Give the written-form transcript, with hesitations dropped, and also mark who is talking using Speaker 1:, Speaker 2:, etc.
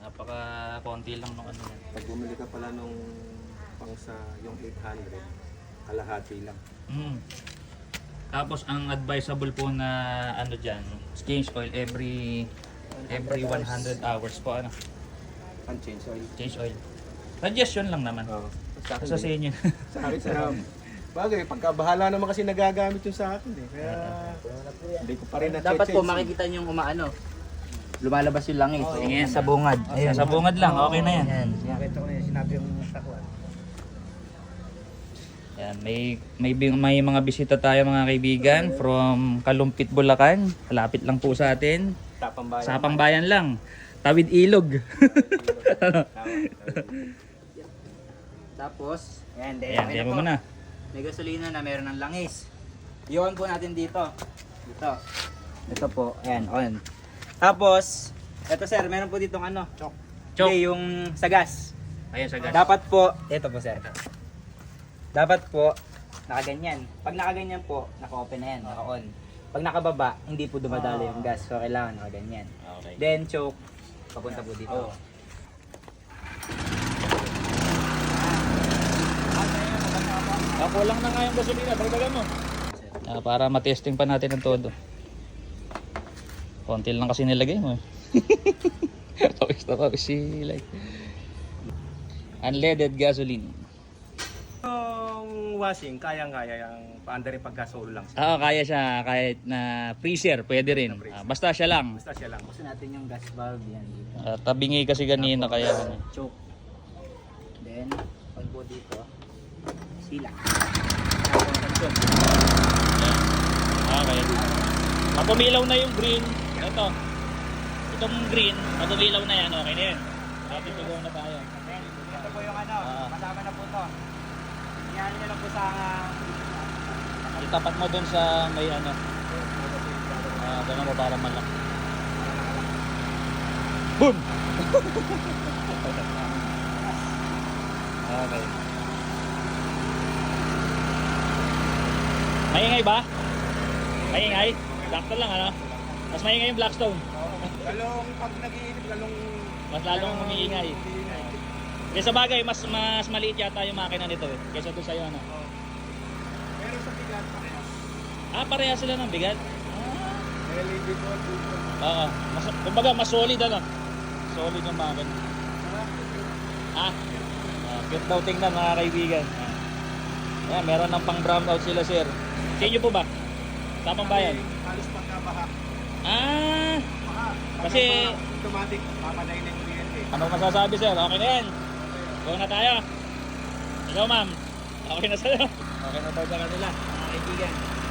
Speaker 1: Napaka-konti lang nung ano yan.
Speaker 2: Pag bumili ka pala nung pang sa yung 800, kalahati lang.
Speaker 1: Mm. Tapos ang advisable po na ano dyan, change oil every 100 hours po ano.
Speaker 2: Ang change oil.
Speaker 1: Change oil. Suggestion lang naman.
Speaker 2: Oo.
Speaker 1: Sa inyo.
Speaker 2: Sa akin sa bagay, pagkabahala naman kasi nagagamit yung sa akin eh. Kaya hindi ko pa rin na-check.
Speaker 3: Dapat po makikita niyo yung umaano. Lumalabas yung langis.
Speaker 1: Sige.
Speaker 3: Sa bungad.
Speaker 1: Ayan, sa bungad lang, okay na yan.
Speaker 3: Ayan.
Speaker 4: Nakita ko na yung sinabi yung sakwan.
Speaker 1: Yan, may mga bisita tayo mga kaibigan from Kalumpit, Bulacan. Malapit lang po sa atin. Sa Pambayan lang. Tawid Ilog.
Speaker 3: Tapos, ayan,
Speaker 1: Ayan,
Speaker 3: okay
Speaker 1: diyan
Speaker 3: na
Speaker 1: mo
Speaker 3: po.
Speaker 1: muna.
Speaker 3: May gasolina na meron ng langis. I-on po natin dito. Dito. Ito po, ayan, on. Tapos, ito sir, meron po ditong ano?
Speaker 1: Chok.
Speaker 3: Okay, yung sa gas.
Speaker 1: Ayan sa gas.
Speaker 3: Dapat po, ito po sir. Dapat po, nakaganyan. Pag nakaganyan po, naka-open na yan, naka-on. Pag nakababa, hindi po dumadalo yung gas. So, kailangan nakaganyan.
Speaker 1: Okay.
Speaker 3: Then, choke, papunta po dito.
Speaker 1: Kulang na nga yung gasolina, dagdagan mo. Para matesting pa natin ang todo. Konti lang kasi nilagay mo eh. Pawis na pawis si like. Unleaded gasoline.
Speaker 2: Yung washing, kayang-kaya yung paanda rin pagkasolo lang siya.
Speaker 1: Oo, kaya siya kahit na freezer, pwede rin. Basta siya lang.
Speaker 2: Basta siya lang.
Speaker 3: Gusto natin yung gas valve yan dito.
Speaker 1: Tabingi kasi kanina kaya ano.
Speaker 3: Choke. Then, pag po dito, sila.
Speaker 1: Okay. Pag umilaw na yung green, ito. Itong green, pag umilaw na yan, okay na yan. Happy to go na tayo.
Speaker 3: Then, ito po yung ano, kasama na po to. Iyan nyo lang po sa
Speaker 1: Itapat mo dun sa may ano. Ganun mo para malaki. Boom! Okay. Maingay ba? Maingay? Blackstone lang ano? Mas maingay yung Blackstone.
Speaker 2: Lalong pag nag-iinip,
Speaker 1: Mas lalong umiingay. Kaya sa bagay, mas maliit yata yung makina nito eh. Kaysa doon sa'yo ano.
Speaker 2: pero sa bigat, parehas.
Speaker 1: Pareha sila ng bigat.
Speaker 2: LED ko dito.
Speaker 1: Oo. Kumbaga, mas solid ano. Solid yung makina. Cute daw tingnan mga kaibigan. Ayan, meron ng pang brown out sila sir. Sa inyo po ba? Sa Pambayan?
Speaker 2: Halos pagkabaha.
Speaker 1: Ah! Kasi-
Speaker 2: automatic, mamatay na yung kuryente.
Speaker 1: Ano masasabi sir? Okay na yan. Go na tayo. Ikaw ma'am. Okay na sa'yo. Okay na daw sa kanila. Mga kaibigan.